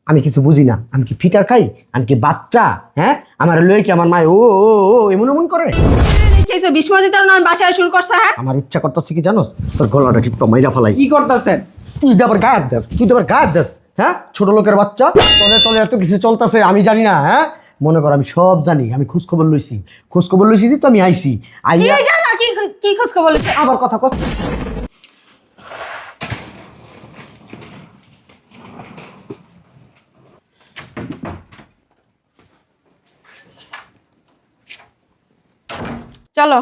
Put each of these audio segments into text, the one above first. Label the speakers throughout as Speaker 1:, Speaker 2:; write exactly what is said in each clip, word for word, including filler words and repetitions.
Speaker 1: আমি কিছু বুঝি না। আমি কি ফিটার খাই? আমি কি বাচ্চা? হ্যাঁ, আমার লয়ে কি আমার মায় ও ও ও এমন এমন করে?
Speaker 2: দেখেছো বিস্ময় তার নাম বাসায় শুরু করছে। হ্যাঁ,
Speaker 1: আমার ইচ্ছা করতেছে কি জানোস, তোর গলাটা ঠিক মাইরা ফেলাই।
Speaker 3: কি করতেছেন?
Speaker 1: তুই তো আবার গায়ে দেস, তুই তো আবার গায়ে দেস। হ্যাঁ, ছোট লোকের বাচ্চা, তলে তলে এত কিছু চলতেছে আমি জানি না। হ্যাঁ, মনে কর আমি সব জানি। আমি খোঁজ খবর লইছি, খোঁজ খবর লইছি তো আমি আইছি।
Speaker 2: কি
Speaker 1: আইয়া
Speaker 2: জানো কি কি খোঁজ খবর বলেছে?
Speaker 1: আবার কথা কস।
Speaker 2: চলো।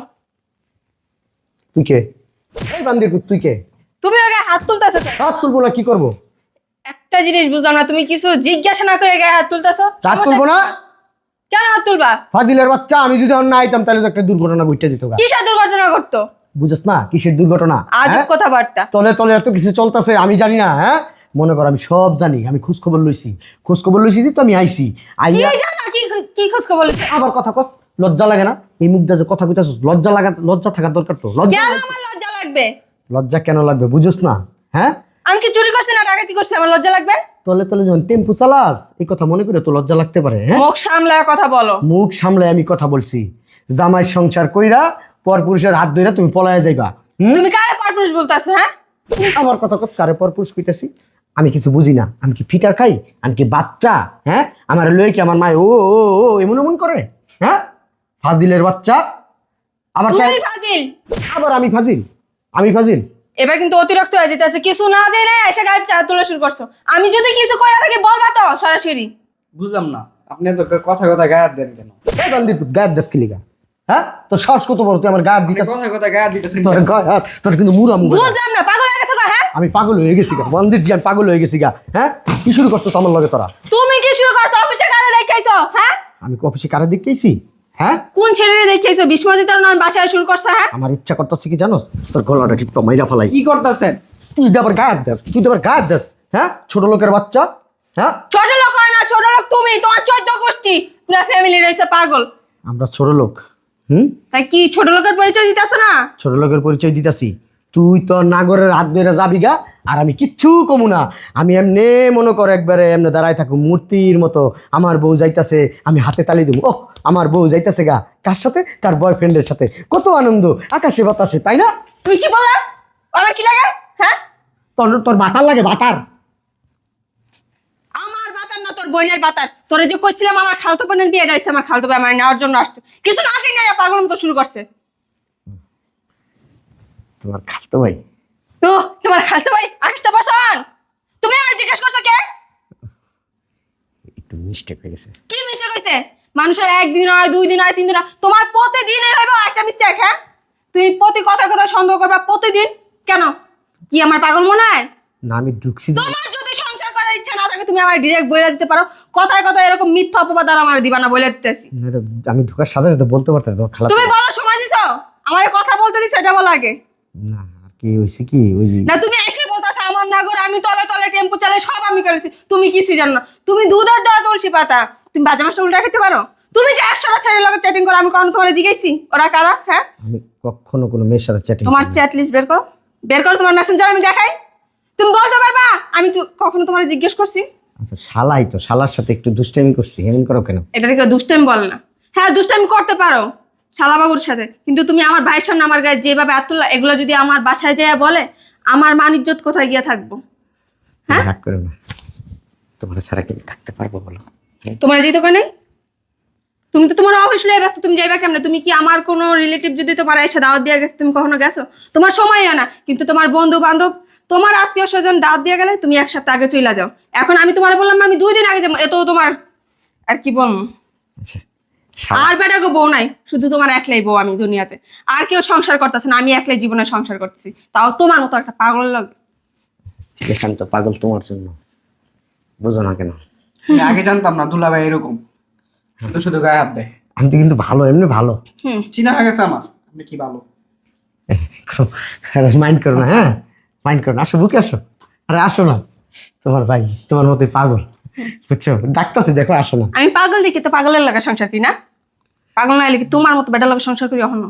Speaker 1: তুই কে? এই বান্দির পুত, তুই কে?
Speaker 2: তুমি আগে হাত তুলতেছো কেন?
Speaker 1: হাত তুলবো না, কি করবো?
Speaker 2: একটা জিনিস বুঝলাম না, তুমি কিছু জিজ্ঞাসা না করে গায়ে হাত তুলতেছো।
Speaker 1: হাত তুলবো না?
Speaker 2: কেন হাত তুলবা?
Speaker 1: ফাজিলের বাচ্চা, আমি যদি অন্য আইতাম তাহলে তো একটা দুর্ঘটনা ঘটে যেত।
Speaker 2: কিসের দুর্ঘটনা ঘটতো?
Speaker 1: বুঝছ না কিসের দুর্ঘটনা?
Speaker 2: আজব
Speaker 1: হ্যাঁ?
Speaker 2: কথাবার্তা।
Speaker 1: তলে তলে এত কিছু চলতেছে আমি জানি না। হ্যাঁ, মনে কর আমি সব জানি। আমি খোঁজ খবর লইছি, খোঁজ খবর লইছি তো আমি আইছি।
Speaker 2: কি
Speaker 1: আইয়া
Speaker 2: জানো কি কি খোঁজ খবর বলেছে?
Speaker 1: আবার কথা কস। লজ্জা লাগে না? এই মুখটা যে কথা কইতাছস, লজ্জা লাগা, লজ্জা থাকার দরকার তো। লজ্জা
Speaker 2: কেন আমার লজ্জা লাগবে?
Speaker 1: লজ্জা কেন লাগবে বুঝছ না? হ্যাঁ,
Speaker 2: আমি কি চুরি করছি না ডাকাতি করছি আমার লজ্জা লাগবে?
Speaker 1: তলে তলে যখন টেম্পু চালাস এই কথা মনে করে তো লজ্জা লাগতে পারে। হ্যাঁ,
Speaker 2: মুখ সামলায় কথা বলো।
Speaker 1: মুখ সামলায় আমি কথা বলছি। জামাই সংসার কইরা পর পুরুষের হাত ধইরা তুমি পলায়া যাইবা। হুম?
Speaker 2: তুমি কারে পরপুরুষ বলতাছো? হ্যাঁ,
Speaker 1: আমার কথা কস, কারে পর পুরুষ কইতাছি? আমি কিছু বুঝি না। আমি কি ফিটার খাই? আমি কি বাচ্চা? হ্যাঁ, আমার লয়ে কি আমার মায় ও ও ও এমন এমন করে? হ্যাঁ, ফাজিলের বাচ্চা। আবার চাই
Speaker 2: তুমি ফাজিল।
Speaker 1: আবার আমি ফাজিল? আমি ফাজিল?
Speaker 2: এবার কিন্তু অতিরিক্ত হয়ে যেতেছে। কিছু না জেনে এসে গাড়ি চা তোলা শুরু করছো। আমি যদি কিছু কইরা থাকি বলবা তো সরাসরি।
Speaker 3: বুঝলাম না, আপনি তো কথা কথা গায়ে হাত দেন কেন?
Speaker 1: এই বান্দির পুত, গায়ের দেশ কিলিগা? হ্যাঁ, তোর সাহস কত বড় তুই আমার গায়ের দিকে?
Speaker 3: কথা কথা গায়ে হাত দিতেছেন
Speaker 1: তোর গায়ে হাত, তোর কিন্তু মুরা মুরা।
Speaker 2: বুঝলাম না, পাগল হয়ে গেছো তো? হ্যাঁ,
Speaker 1: আমি পাগল হয়ে গেছি গা বান্দির, আমি পাগল হয়ে গেছি গা। হ্যাঁ, কি শুরু করছিস আমার লগে তোরা?
Speaker 2: তুমি কি শুরু করছো? অফিসে কারে দেখাইছো? হ্যাঁ,
Speaker 1: আমি কি অফিসে কারে দেখতেইছি? হ্যাঁ,
Speaker 2: কোন ছেলেরে দেখাইছো? বিস্ময় তার নাম বাসায় শুরু করছো। হ্যাঁ,
Speaker 1: আমার ইচ্ছা করতেছে কি জানোস, তোর গলাটা ঠিক মাইরা ফেলাই।
Speaker 3: কি করতেছেন?
Speaker 1: তুই তো আবার গায়ে দেস, তুই তো আবার গায়ে দেস। হ্যাঁ, ছোট লোকের বাচ্চা। হ্যাঁ,
Speaker 2: ছোট লোক হয় না, ছোট লোক তুমি। তোমার চোদ্দ গোষ্ঠী পুরো ফ্যামিলি রয়েছে পাগল।
Speaker 1: আমরা ছোট লোক? হুম,
Speaker 2: তাই কি ছোট লোকের পরিচয় দিতেছো না?
Speaker 1: ছোট লোকের পরিচয় দিতাছি। তুই তো নাগরের হাত ধরে যাবি গা, আর আমি কিচ্ছু কমু না। আমি এমনে মনে কর একবারে এমনি দাঁড়ায় থাকুম মূর্তির মতো। আমার বউ যাইতাছে, আমি হাতে তালি দেবো। ও, আমার বউ যাইতাছে গা কার সাথে? তার বয়ফ্রেন্ডের সাথে। কত আনন্দ আকাশে বাতাসে, তাই না?
Speaker 2: তুই কি বললা? আমার কি লাগে? হ্যাঁ,
Speaker 1: তোর তোর বাতার লাগে, বাতার।
Speaker 2: আমার বাতার না, তোর বোনের বাতার। তোরে যে কইছিলাম আমার খালতো বোনের বিয়ে গাইছে, আমার খালতো ভাই আমার নেওয়ার জন্য আসছে। কিছু না জানি না পাগল মতো শুরু করছে।
Speaker 1: তোমার খালতো ভাই?
Speaker 2: তো তোমার খালতো ভাই আকাশটা বসান। তুমি আমার জিজ্ঞেস করছো কে?
Speaker 1: একটু মিস্টেক হয়ে গেছে।
Speaker 2: কি মিস্টেক হইছে? মানুষের একদিন হয়, দুই দিন হয়, তিন দিন হয়, তোমার প্রতিদিন হইব একটা মিস্টেক। হ্যাঁ, তুমি প্রতি কথা কথা সন্দেহ করবা প্রতিদিন। কেন? কি আমার পাগল মনে হয়?
Speaker 1: না, আমি ঢুকছি যে-
Speaker 2: তোমার যদি সংসার করার ইচ্ছা না থাকে তুমি আমার ডিরেক্ট বলে দিতে পারো। কথায় কথায় এরকম মিথ্যা অপবাদ আর আমার দিবা না, বলে দিতেছি।
Speaker 1: না, এটা আমি ঢুকার সাথে সাথে বলতে পারতাম তোমার খালা।
Speaker 2: তুমি বলার সময় দিছো, আমার কথা বলতে দিছো, এটা বলো আগে।
Speaker 1: না, আর কি হয়েছে কি ওই যে-
Speaker 2: না, তুমি এসে বলতাছো আমার নাগর, আমি তলে তলে টেম্পো চালাই, সব আমি করেছি। তুমি কিছুই জানো না। তুমি দুধের দেওয়া তুলসী পাতা, তুমি বাজে মাছটা উল্টা খেতে পারো? তুমি যে একশোটা ছেলের লগে চ্যাটিং করো, আমি কখনো তোমার জিজ্ঞেসি ওরা কারা? হ্যাঁ,
Speaker 1: আমি কখনো কোনো মেয়ের সাথে চ্যাটিং
Speaker 2: তোমার চ্যাট লিস্ট বের করো, বের করো তোমার মেসেঞ্জার, আমি দেখাই। তুমি বলতে পারবা আমি তো কখনো তোমার জিজ্ঞেস করছি?
Speaker 1: আচ্ছা, শালাই তো, শালার সাথে একটু দুষ্টামি করছি, এমন করো কেন?
Speaker 2: এটাকে কেউ দুষ্টামি বলে না। হ্যাঁ, দুষ্টামি করতে পারো শালাবাবুর সাথে, কিন্তু তুমি আমার ভাইয়ের সামনে আমার গায়ে যেভাবে আতুল্লাহ এগুলো যদি আমার বাসায় যায় বলে, আমার মান ইজ্জত কোথায় গিয়ে থাকবো? হ্যাঁ,
Speaker 1: রাগ করো না, তোমার ছাড়া কি থাকতে পারবো বলো?
Speaker 2: তোমার যেতে কয় নাই? তুমি তো তোমার অফিস লয়ে ব্যস্ত, তুমি যাইবা কেমনে? তুমি কি আমার কোনো রিলেটিভ যদি তোমার এসে দাওয়াত দিয়ে গেছে, তুমি কখনো গেছো? তোমার সময় হয় না, কিন্তু তোমার বন্ধু বান্ধব, তোমার আত্মীয় স্বজন দাওয়াত দিয়ে গেলে তুমি এক সপ্তাহ আগে চলে যাও। এখন আমি তোমার বললাম আমি দুই দিন আগে যাবো, এত তোমার আর কি বলবো।
Speaker 1: আচ্ছা, শালা
Speaker 2: আর বেটা গো বউ নাই, শুধু তোমার একলাই বউ আমি দুনিয়াতে। আর কেউ সংসার করতেছে না, আমি একলাই জীবনে সংসার করতেছি, তাও তোমার মতো একটা পাগল লাগে।
Speaker 1: এখান তো পাগল তোমার জন্য, বুঝো না কেন?
Speaker 3: আমি আগে জানতাম না দুলাভাই এরকম শুধু শুধু গায়ে হাত দেয়।
Speaker 1: আমি তো কিন্তু ভালো, এমনি ভালো।
Speaker 2: হুম,
Speaker 3: চিনা হয়ে গেছে আমার, আপনি কি ভালো।
Speaker 1: মাইন্ড করো না, হ্যাঁ মাইন্ড করো না, আসো বুকে আসো। আরে আসো না, তোমার ভাই তোমার মতোই পাগল, বুঝছো? ডাক্তার দেখো, আসো না।
Speaker 2: আমি পাগল দেখি তো পাগলের লাগা সংসার করি না? পাগল না হলে কি তোমার মতো বেটার লাগা সংসার করি এখনো?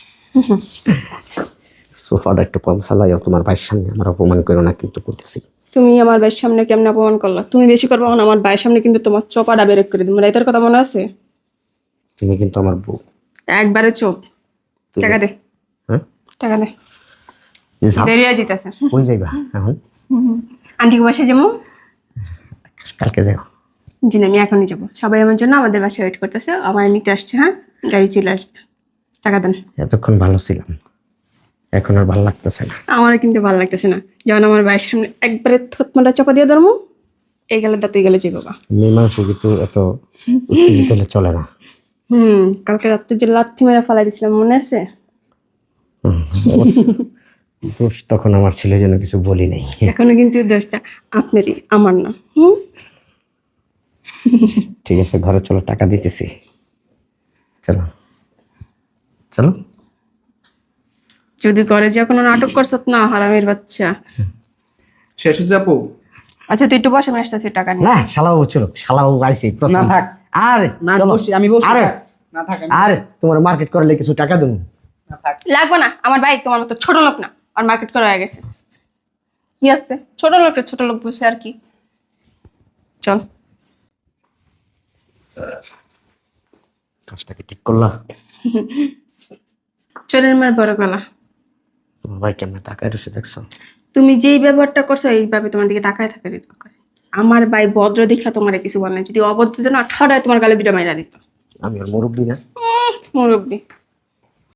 Speaker 1: সোফাটা একটু কম চালাইও, তোমার ভাইয়ের সামনে আমার অপমান করো না কিন্তু করতেছি।
Speaker 2: তুমি আমার ভাইয়ের সামনে কেমন অপমান করলা? তুমি বেশি করবো না, আমার ভাইয়ের সামনে কিন্তু তোমার চপাটা বেরেক করে দিবো। রাইতের কথা মনে আছে?
Speaker 1: তুমি কিন্তু আমার বউ।
Speaker 2: একবারে চোপ। টাকা দে,
Speaker 1: হ্যাঁ
Speaker 2: টাকা দে,
Speaker 1: এই যাও।
Speaker 2: দেরি হয়ে যেতেছে।
Speaker 1: কই যাইবা এখন?
Speaker 2: আন্টিকে বাসায় যাবো।
Speaker 1: কালকে যাও।
Speaker 2: জি না, আমি এখনই যাবো। সবাই আমার জন্য আমাদের বাসায় ওয়েট করতেছে, আমার নিতে আসছে। হ্যাঁ, গাড়ি চলে আসবে। টাকা দেন।
Speaker 1: এতক্ষণ ভালো ছিলাম, এখন আর ভালো লাগতেছে না।
Speaker 2: আমার কিন্তু ভালো লাগতেছে না, যখন আমার ভাইয়ের সামনে একবারে থতমাটা চাপা দিয়ে ধরবো, এই গেলে দাঁত এই গেলে যে বাবা।
Speaker 1: মেয়ে মানুষ কিন্তু এত উত্তেজিত হলে চলে না।
Speaker 2: হুম, কালকে রাত্রে যে লাথি মেরে ফালাই দিয়েছিলাম মনে আছে?
Speaker 1: দোষ তখন আমার ছিল, যেন কিছু বলি নাই।
Speaker 2: এখনো কিন্তু দোষটা আপনারই, আমার না। হুম,
Speaker 1: ঠিক আছে, ঘরে চলো, টাকা দিতেছি। চলো চলো।
Speaker 2: যদি করে যে কোনো নাটক করছ না, হারামের বাচ্চা।
Speaker 3: শেষ হচ্ছে আপু?
Speaker 2: আচ্ছা তুই একটু বস, আমি আসতেছি টাকা নিয়ে।
Speaker 1: না শালাবাবু চলো, শালাবাবু আইসি প্রথম।
Speaker 3: না, থাক।
Speaker 1: আরে
Speaker 3: না,
Speaker 1: চলো।
Speaker 3: বসি, আমি বসি।
Speaker 1: আরে
Speaker 3: না থাক, আমি-
Speaker 1: আরে তোমার মার্কেট করলে কিছু টাকা দেবো।
Speaker 3: না থাক।
Speaker 2: লাগবে না, আমার ভাই তোমার মতো ছোট লোক না, আর মার্কেট করা হয়ে গেছে। কি আছে ছোট লোকটা, ছোট লোক বুঝে আর কি। চল।
Speaker 1: কাজটা কি ঠিক করলা?
Speaker 2: চলেন মার বড় গলা।
Speaker 1: তোমার ভাই কেমন টাকা রয়েছে দেখছো?
Speaker 2: তুমি যেই ব্যবহারটা করছো এইভাবে তোমার দিকে তাকায় থাকে দিত। আমার ভাই ভদ্র দীক্ষা তোমার কিছু বলে না, যদি অভদ্র দিত না ঠাড়ায় তোমার গালে দুটো মাইরা দিত।
Speaker 1: আমি আর মুরব্বী না?
Speaker 2: মুরব্বী